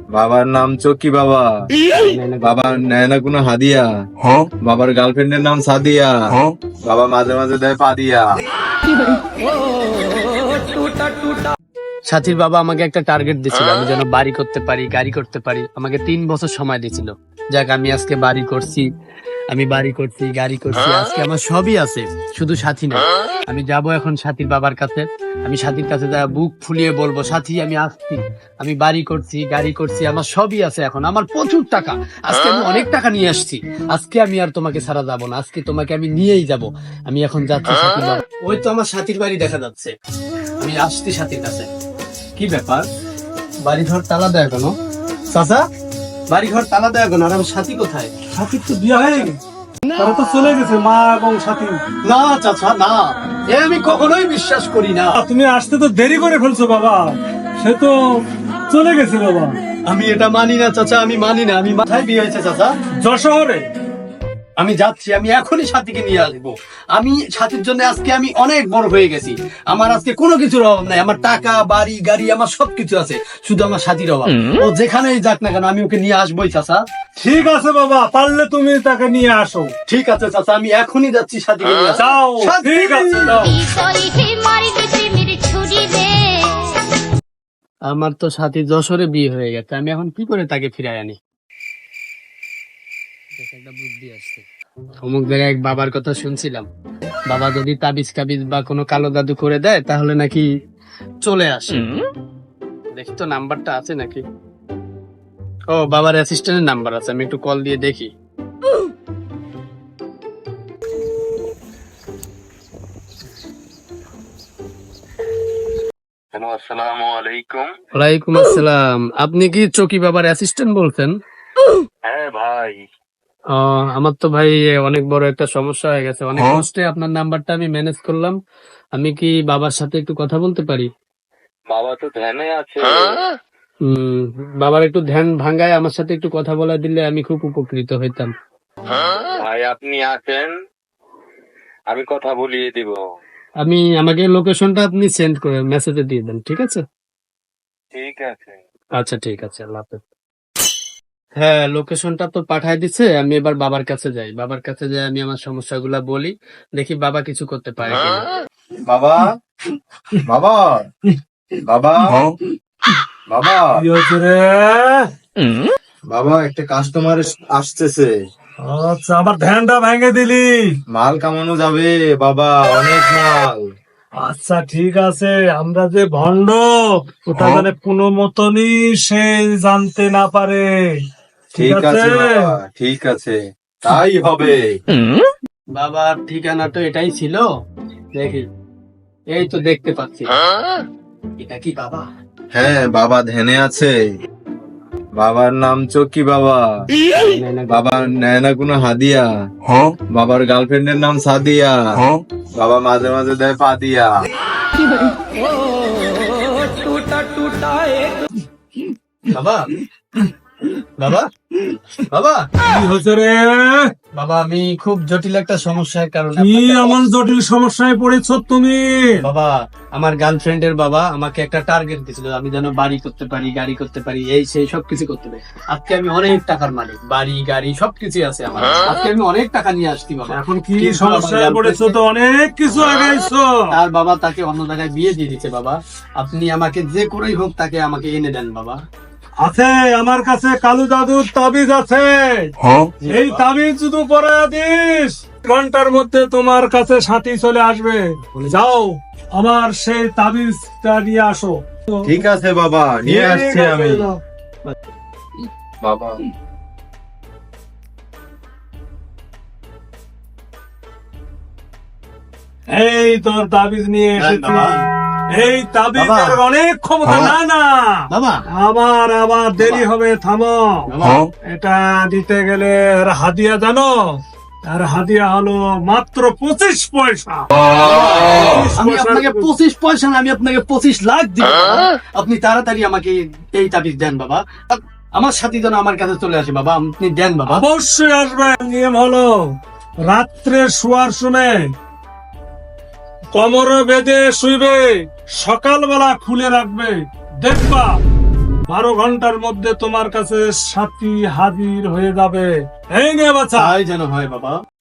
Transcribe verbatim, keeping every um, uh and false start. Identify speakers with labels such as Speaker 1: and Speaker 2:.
Speaker 1: বাবার নাম চকি বাবা। বাবা নেয় না কোনো হাদিয়া। বাবার গার্লফ্রেন্ডের নাম সাদিয়া। বাবা মাঝে মাঝে দেয় পাদিয়া।
Speaker 2: সাথীর বাবা আমাকে একটা টার্গেট দিছিল, আমি যেন বাড়ি করতে পারি, গাড়ি করতে পারি। আমাকে তিন বছর সময় দিয়েছিল। যাক, আমি আজকে বাড়ি করছি, আমি বাড়ি করছি, গাড়ি করছি, আজকে আমার সবই আছে, শুধু সাথী না। আমি যাব এখন সাথীর বাবার কাছে। আমি সাথীর কাছে যা বুক ফুলিয়ে বলবো, সাথী আমি আসছি, আমি বাড়ি করছি, গাড়ি করছি, আমার সবই আছে, এখন আমার প্রচুর টাকা, আজকে আমি অনেক টাকা নিয়ে আসছি। আজকে আমি আর তোমাকে ছাড়া যাব না, আজকে তোমাকে আমি নিয়েই যাব। আমি এখন যাচ্ছি সাথীর বাবা। ওই তো আমার সাথীর বাড়ি দেখা যাচ্ছে, আমি আসছি সাথীর কাছে। কি ব্যাপার, বাড়ি ঘর তালা দেয় কেন? চাচা, বাড়ি ঘর তালা দেয় কেন? আর আমার সাথী কোথায়?
Speaker 3: সাথীর তো বিয়ে হয়ে গেছে, তারা তো চলে গেছে মা এবং সাথী।
Speaker 2: না চাচা, না, এ আমি কখনোই বিশ্বাস করি না।
Speaker 3: তুমি আসতে তো দেরি করে ফেলছো বাবা, সে তো চলে গেছে বাবা।
Speaker 2: আমি এটা মানি না চাচা, আমি মানি না। আমি মাথায় বিয়ে হয়েছে চাচা,
Speaker 3: যশোরে।
Speaker 2: আমি যাচ্ছি, আমি এখনই সাথীকে নিয়ে আসবো। আমি সাথীর জন্য আজকে আমি অনেক বড় হয়ে গেছি। আমার আজকে কোনো কিছুর অভাব নাই, আমার টাকা, বাড়ি, গাড়ি, আমার সবকিছু আছে, শুধু আমার সাথীর অভাব। ও যেখানেই যাক না কেন, আমি ওকে নিয়ে আসবোই চাচা।
Speaker 3: ঠিক আছে বাবা, পারলে তুমি তাকে নিয়ে আসো।
Speaker 2: ঠিক আছে চাচা, আমি এখনই যাচ্ছি সাথীকে নিয়ে আসবো।
Speaker 3: যাও,
Speaker 2: সাথী!
Speaker 3: ঠিক আছে, যাও।
Speaker 2: আমার তো সাথী যশোরে বিয়ে হয়ে গেছে, আমি এখন কি করে তাকে ফিরাই আনি? একটা বুদ্ধি আসছে। অমুক জায়গায় এক বাবার কথা শুনছিলাম, বাবা যদি তাবিজ কাবিজ বা কোনো কালো জাদু করে দেয় তাহলে নাকি চলে আসে। দেখি তো নাম্বারটা আছে নাকি। ও, বাবার অ্যাসিস্ট্যান্টের নাম্বার আছে, আমি একটু কল দিয়ে দেখি।
Speaker 1: আসসালামু আলাইকুম।
Speaker 2: ওয়ালাইকুম আসসালাম। আপনি কি চকি বাবার অ্যাসিস্ট্যান্ট বলছেন?
Speaker 1: হ্যাঁ ভাই।
Speaker 2: আহ, আমার তো ভাই অনেক বড় একটা সমস্যা হয়ে গেছে, অনেক কষ্টে আপনার নাম্বারটা আমি ম্যানেজ করলাম। আমি কি বাবার সাথে একটু কথা বলতে পারি?
Speaker 1: বাবা তো ধ্যানে আছে।
Speaker 2: উম বাবার একটু ধ্যান ভাঙ্গায় আমার সাথে একটু কথা বলা দিলে আমি খুব উপকৃত হইতাম।
Speaker 1: ভাই আপনি আসেন, আমি কথা বলিয়ে দিব।
Speaker 2: আমি আমাকে লোকেশনটা আপনি সেন্ড করে মেসেজে দিয়ে দেন, ঠিক আছে?
Speaker 1: ঠিক আছে।
Speaker 2: আচ্ছা ঠিক আছে, আল্লাহ হাফেজ। হ্যাঁ, লোকেশনটা তো পাঠায় দিছে, আমি এবার বাবার কাছে যাই। বাবার কাছে যাই, আমি আমার সমস্যাগুলা বলি, দেখি বাবা কিছু করতে পারে কিনা।
Speaker 1: বাবা, বাবা, বাবা, বাবা,
Speaker 3: কি হয়েছে রে?
Speaker 1: বাবা, একটা কাস্টমার আসতেছে।
Speaker 3: আচ্ছা, আমার ধ্যানটা ভেঙে দিলি।
Speaker 1: মাল কামানো যাবে বাবা, অনেক মাল।
Speaker 3: আচ্ছা ঠিক আছে, আমরা যে ভণ্ড ওটা মানে কোনো মতনই সে জানতে না পারে।
Speaker 1: ঠিক আছে বাবা, ঠিক আছে, তাই হবে।
Speaker 2: বাবার ঠিকানা তো এটাই ছিল, দেখি, এই তো দেখতে পাচ্ছি। এটা কি বাবা?
Speaker 1: হ্যাঁ, বাবা ধ্যানে আছে। বাবার নাম চকি বাবা। বাবা নেয় না কোনো হাদিয়া। বাবার গার্লফ্রেন্ডের নাম সাদিয়া। বাবা মাঝে মাঝে দেয় পাদিয়া।
Speaker 2: বাবা, বাবা, বাবা,
Speaker 3: কি হয়েছে রে?
Speaker 2: বাবা, আমি খুব জটিল একটা সমস্যার কারণে
Speaker 3: কি
Speaker 2: আপনাকে-
Speaker 3: এমন জটিল সমস্যায় পড়েছ তুমি?
Speaker 2: বাবা, আমার গার্লফ্রেন্ডের বাবা আমাকে একটা টার্গেট দিয়েছিল, আমি যেন বাড়ি করতে পারি, গাড়ি করতে পারি, এই সেই সবকিছু করতে পারি। আজকে আমি অনেক টাকার মালিক, বাড়ি, গাড়ি সবকিছু আছে আমার। আজকে আমি অনেক টাকা নিয়ে আসছি বাবা।
Speaker 3: এখন কি
Speaker 2: কিন্তু আমার
Speaker 3: সমস্যায় পড়েছো? তো অনেক কিছু আগাইছো।
Speaker 2: তার বাবা তাকে অন্য জায়গায় বিয়ে দিয়ে দিচ্ছে বাবা। আপনি আমাকে যে করেই হোক তাকে আমাকে এনে দেন বাবা।
Speaker 3: আছে আমার কাছে কালু দাদুর তাবিজ আছে। এই তাবিজ শুধু পরে দিস, ঘন্টার মধ্যে তোমার কাছে সাথী চলে আসবে। যাও, আমার সেই তাবিজটা নিয়ে আসো।
Speaker 1: ঠিক আছে বাবা, নিয়ে আসছি আমি। বাবা,
Speaker 3: এই তোর তাবিজ নিয়ে এসেছি।
Speaker 2: বাবা।
Speaker 3: এই তাবিজের
Speaker 2: বাবা।
Speaker 3: অনেক ক্ষমতা। না না
Speaker 2: বাবা,
Speaker 3: আবার আবার দেরি হবে, থামো।
Speaker 2: বাবা,
Speaker 3: এটা দিতে গেলে আর হাদিয়া জানো? আর হাদিয়া হলো মাত্র পঁচিশ পয়সা।
Speaker 2: আমি আপনাকে পঁচিশ পয়সা না, আমি আপনাকে পঁচিশ লাখ দিব বাবা। আপনি তাড়াতাড়ি আমাকে এই তাবিজ দেন বাবা। আমার সাথী যেন আমার কাছে চলে আসে বাবা, আপনি দেন বাবা।
Speaker 3: অবশ্যই আসবে। নিয়ম হলো রাত্রে শোয়ার সময় কোমরে বেঁধে শুইবে, সকালবেলা খুলে রাখবে, দেখবা বারো ঘন্টার মধ্যে তোমার কাছে সাথী হাজির হয়ে যাবে। এই নে বাচ্চা।
Speaker 1: তাই যেন হয় বাবা।